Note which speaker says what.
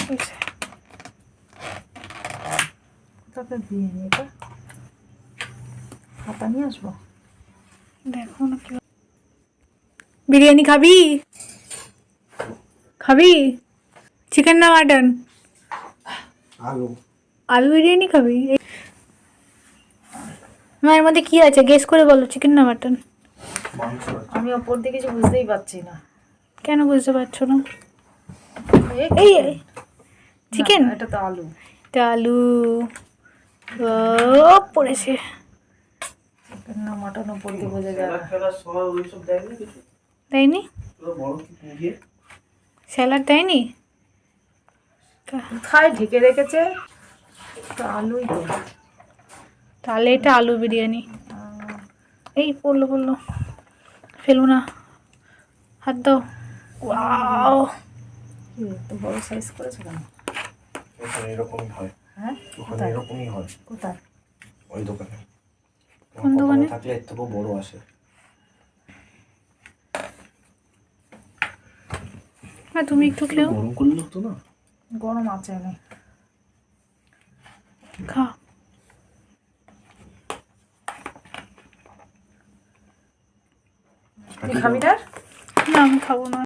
Speaker 1: তাতে দিয়ে নি এটা খাতা নিয়ে আসবো।
Speaker 2: দেখো না কি বিরিয়ানি খাবি? খাবি চিকেন না মাটন?
Speaker 3: আলু
Speaker 2: আলু বিরিয়ানি খাবি? এর মধ্যে কি আছে গেস করে বলো, চিকেন না মাটন?
Speaker 3: মাংস
Speaker 1: আমি ওপর দিকে কিছু বুঝতেই পারছি না।
Speaker 2: কেন বুঝতে পারছো না?
Speaker 1: এই
Speaker 2: এই চিকেন,
Speaker 1: এটা তো আলু।
Speaker 2: এটা আলু। ও পড়েছে।
Speaker 1: চিকেন না মটন ওপর দিয়ে বোঝা যায় না।
Speaker 3: খেলার সময় ওইসব দেয়নি কিছু,
Speaker 2: তাইনি?
Speaker 3: বড় কি পুড়িয়ে
Speaker 2: স্যালাড দেয়নি?
Speaker 1: কোথায় ঢেকে রেখেছে? তো আলুই তো।
Speaker 2: তাহলে এটা আলু বিরিয়ানি। এই পড়লো পড়লো, ফেলো না, হাত দাও। ওয়াও,
Speaker 1: কি এত বড় সাইজ করেছে কেন?
Speaker 3: ওখানে এরকমই হয়।
Speaker 1: হ্যাঁ
Speaker 3: ওখানে
Speaker 1: কোথায়
Speaker 3: এরকমই হয়
Speaker 1: কোথায়?
Speaker 3: ওই দোকানে।
Speaker 2: কোন দোকানে?
Speaker 3: থাকলে এর থেকেও বড় আসে।
Speaker 2: হ্যাঁ তুমি একটু খেও।
Speaker 3: গরম করলে হতো না?
Speaker 1: গরম আছে না।
Speaker 2: খা।
Speaker 1: তুই খাবি না?
Speaker 2: না আমি খাবো না।